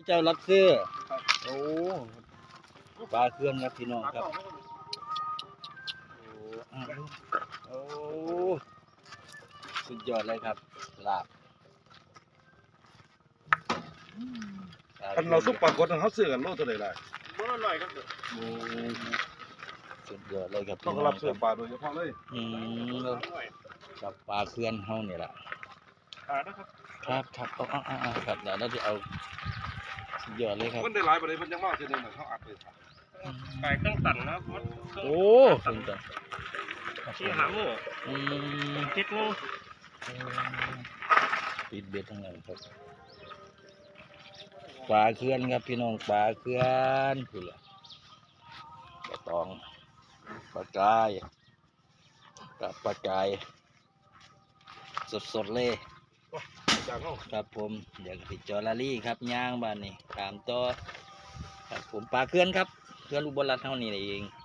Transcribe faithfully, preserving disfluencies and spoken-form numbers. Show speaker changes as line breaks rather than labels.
เจ้ารับซื้อโอ้ปลาเคลื่อนครับพี่น้องครับโอ้โอ้สุดยอดเลยครับลาบ
คันเราซุปปลากดเขาซื้อกันโลเท่าไหร่ล่ะ
บ่อร่อยครับเด้อ
โอ้สุดยอดเลยครับ
ต้องรับซื้อปลาโดยเฉพาะเลย
อืมกับปลาเคลื่อนเฮานี่แหละ
ขานะครับ
ครับครับเอาเอาเอาเอาครับเดี๋ยวเราจะเอาสุดยอดเลยครับ
มันได้หลายประเด็นมันยังมากเช่นนี้เขาอัดเลย
ไก่เครื่องสั่นนะครับ
โอ้สุดยอด
ที่หาหมู
อืม
คิดนึง
ปิดเบ็ดทั้งนั้นครับปลาเคลื่อนครับพี่น้องปลาเคลื่อนคือละปลาตองปลากายกับปลากายสดๆเลย
จากเขา
ครับผมเดี๋ยวติดจอลารี่ครับย่างบ้านนี่ตามต่อครับผมปลาเคลื่อนครับเคลื่อนอุบลรัตน์เท่านี้เอง